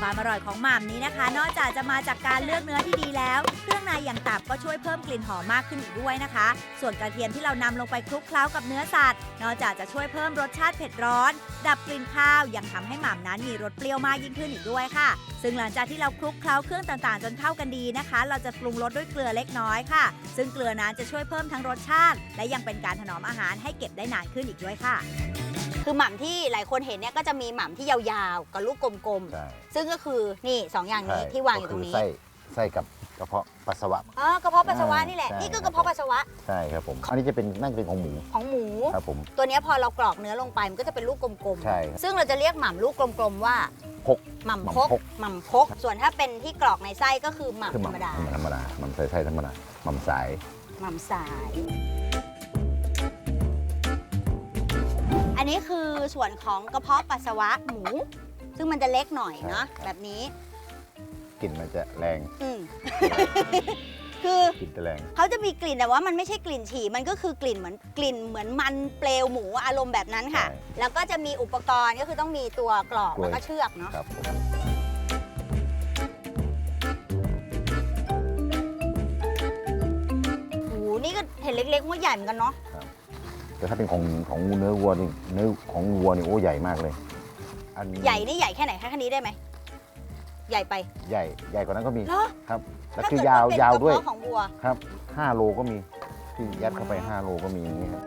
ความอร่อยของหม่ำนี้นะคะ นอกจากจะมาจากการเลือกเนื้อที่ดีแล้วเครื่องในอย่างตับก็ช่วยเพิ่มกลิ่นหอมมากขึ้นอีกด้วยนะคะ ส่วนกระเทียมที่เรานำลงไปคลุกเคล้ากับเนื้อสัตว์นอกจากจะช่วยเพิ่มรสชาติเผ็ดร้อนดับกลิ่นข้าวยังทำให้หม่ำนั้นมีรสเปรี้ยวมากยิ่งขึ้นอีกด้วยค่ะซึ่งหลังจากที่เราคลุกเคล้าเครื่องต่างๆจนเข้ากันดีนะคะเราจะปรุงรสด้วยเกลือเล็กน้อยค่ะซึ่งเกลือนั้นจะช่วยเพิ่มทั้งรสชาติและยังเป็นการถนอมอาหารให้เก็บได้นานขึ้นอีกด้วยค่ะคือหม่ำที่หลายคนเห็นเนี่ยก็จะมีหม่ำที่ยาวๆกับลูกกลมๆซึ่งก็คือนี่2อย่างนี้ที่วางอยู่ตรงนี้ไส้กับกระเพาะปัสสาวะกระเพาะปัสสาวะนี่แหละนี่ก็กระเพาะปัสสาวะใช่ครับผมอันนี้จะเป็นน่าจะเป็นของหมูครับผมตัวนี้พอเรากรอกเนื้อลงไปมันก็จะเป็นลูกกลมๆใช่ซึ่งเราจะเรียกหม่ำลูกกลมๆว่าหม่ำพกส่วนถ้าเป็นที่กรอกในไส้ก็คือหม่ำธรรมดาหม่ำใส่ไส้ธรรมดาหม่ำสายอันนี้คือส่วนของกระเพาะปัสสาวะหมูซึ่งมันจะเล็กหน่อยเนาะแบบนี้กลิ่นมันจะแรงคือกลิ่นจะแรงเขาจะมีกลิ่นแต่ว่ามันไม่ใช่กลิ่นฉี่มันก็คือกลิ่นเหมือนมันเปลวหมูอารมณ์แบบนั้นค่ะแล้วก็จะมีอุปกรณ์ก็คือต้องมีตัวกรอกแล้วก็เชือกเนาะโอ้โหนี่ก็เห็นเล็กๆว่าใหญ่เหมือนกันเนาะแต่ถ้าเป็นของเนื้อวัวนี่เนื้อของวัวนี่โอ้ใหญ่มากเลยใหญ่นี่ใหญ่แค่ไหนแค่นี้ได้ไหมใหญ่ไปใหญ่กว่านั้นก็มีครับแล้วคือยาวด้วยของวัวครับ5 โลก็มีที่ยัดเข้าไป5 โลก็มีอย่างนี้ครับ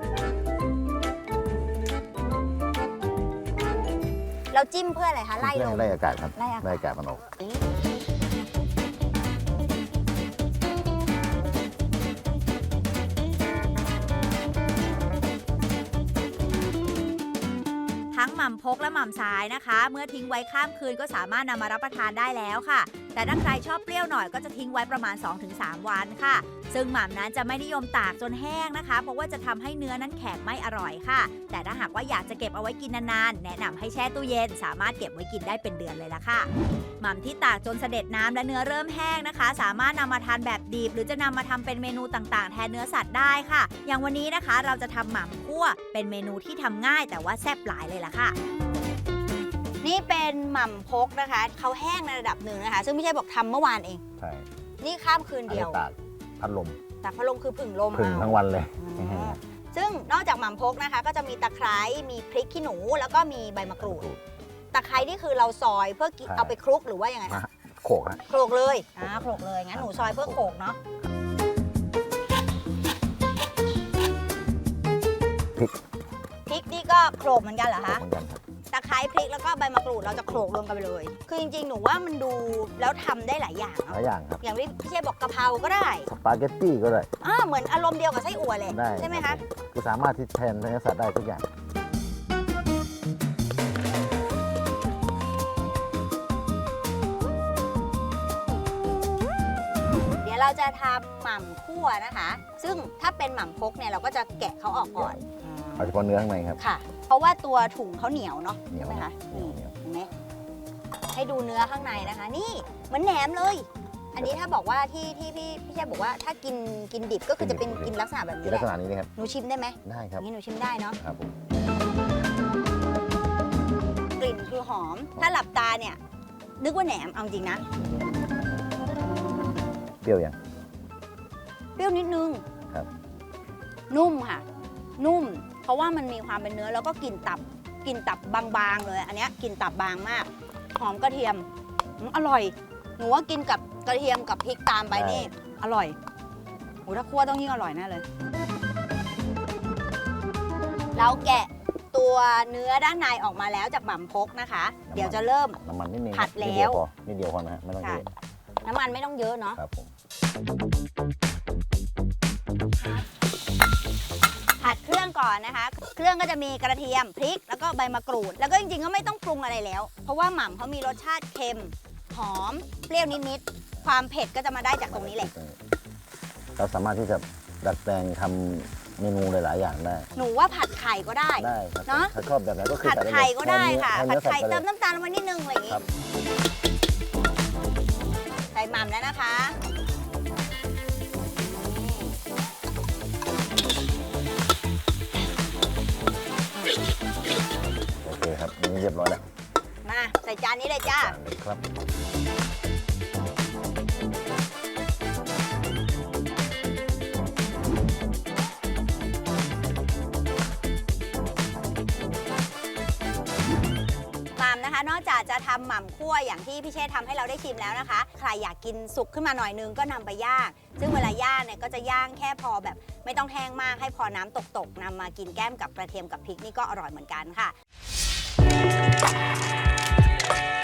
เราจิ้มเพื่ออะไรคะไล่ลมไล่อากาศครับไล่อากาศมันออกทั้งหม่ำพกและหม่ำสายนะคะเมื่อทิ้งไว้ข้ามคืนก็สามารถนำมารับประทานได้แล้วค่ะแต่ถ้าใครชอบเปรี้ยวหน่อยก็จะทิ้งไว้ประมาณ 2-3 วันค่ะซึ่งหม่ำนั้นจะไม่นิยมตากจนแห้งนะคะเพราะว่าจะทำให้เนื้อนั้นแข็งไม่อร่อยค่ะแต่ถ้าหากว่าอยากจะเก็บเอาไว้กินนานๆแนะนำให้แช่ตู้เย็นสามารถเก็บไว้กินได้เป็นเดือนเลยล่ะค่ะหม่ำที่ตากจนเสด็จน้ำและเนื้อเริ่มแห้งนะคะสามารถนำมาทานแบบดิบหรือจะนำมาทำเป็นเมนูต่างๆแทนเนื้อสัตว์ได้ค่ะอย่างวันนี้นะคะเราจะทำหม่ำคั่วเป็นเมนูที่ทำง่ายแต่ว่าแซ่บหลายเลยล่ะค่ะนี่เป็นหม่ำพกนะคะเขาแห้งในระดับหนึ่งนะคะซึ่งไม่ใช่บอกทำเมื่อวานเองใช่นี่ข้ามคืนเดียวตากพัดลมคือผึ่งลมทั้งวันเลยซึ่งนอกจากหม่ำพกนะคะก็จะมีตะไคร้มีพริกขี้หนูแล้วก็มีใบมะกรูดตะไคร้นี่คือเราซอยเพื่อเอาไปคลุกหรือว่ายังไงโขกโขลกเลยโขลกเลยงั้นหนูซอยเพื่อโขลกเนาะพริกนี่ก็โขลกเหมือนกันเหรอคะตะไคร้พริกแล้วก็ใบมะกรูดเราจะโขลกรวมกันไปเลยคือจริงๆหนูว่ามันดูแล้วทำได้หลายอย่างครับอย่างที่พี่เชฟบอกกะเพราก็ได้สปาเกตตี้ก็ได้เหมือนอารมณ์เดียวกับไส้อั่วเลยใช่ไหมคะคือสามารถที่แทนเนื้อสัตว์ได้ทุกอย่างเดี๋ยวเราจะทำหม่ำคั่วนะคะซึ่งถ้าเป็นหม่ำพกเนี่ยเราก็จะแกะเขาออกก่อนเอาเฉพาะเนื้อข้างในครับค่ะเพราะว่าตัวถุงเขาเหนียวเนาะใช่ไหมคะนี่เห็นไหมให้ดูเนื้อข้างในนะคะนี่เหมือนแหนมเลยอันนี้ถ้าบอกว่าที่พี่เชฟบอกว่าถ้ากินดิบก็คือจะเป็นกินลักษณะแบบนี้ลักษณะนี้นะครับหนูชิมได้ไหมได้ครับนี่หนูชิมได้เนาะครับผมกลิ่นคือหอมถ้าหลับตาเนี่ยนึกว่าแหนมเอาจริงนะเปรี้ยวยังเปรี้ยวนิดนึงครับนุ่มค่ะนุ่มเพราะว่ามันมีความเป็นเนื้อแล้วก็กลิ่นตับบางๆเลยอันนี้กลิ่นตับบางมากหอมกระเทียมอร่อยหนูว่ากินกับกระเทียมกับพริกตามไปนี่อร่อยโหถ้าคั่วต้องยิ่งอร่อยแน่เลยเราแกะตัวเนื้อด้านในออกมาแล้วจากหม่ำพกนะคะเดี๋ยวจะเริ่มน้ำมันนิดนึงผัดแล้วนิดเดียวพอนะฮะไม่ต้องเยอะน้ำมันไม่ต้องเยอะเนาะครับผมผัดเครื่องก่อนนะคะเครื่องก็จะมีกระเทียมพริกแล้วก็ใบมะกรูดแล้วก็จริงๆก็ไม่ต้องปรุงอะไรแล้วเพราะว่าหม่ำเขามีรสชาติเค็มหอมเปรี้ยวนิดๆความเผ็ดก็จะมาได้จากตรงนี้แหละเราสามารถที่จะดัดแปลงทำเมนูหลายๆอย่างได้หนูว่าผัดไข่ก็ได้เนาะถ้าชอบแบบไหนก็คือผัดไข่ก็ได้ค่ะผัดไข่เติมน้ำตาลลงไปนิดนึงอะไรอย่างงี้ใส่หม่ำแล้วนะคะโอเคครับนี่เรียบร้อยแล้วมาใส่จานนี้เลยจ้าครับหม่ำนะคะนอกจากจะทำหม่ำคั่วอย่างที่พี่เชษทำให้เราได้ชิมแล้วนะคะใครอยากกินสุกขึ้นมาหน่อยนึงก็นำไปย่างซึ่งเวลาย่างเนี่ยก็จะย่างแค่พอแบบไม่ต้องแห้งมากให้พอน้ำตกๆนำมากินแก้มกับกระเทียมกับพริกนี่ก็อร่อยเหมือนกันค่ะ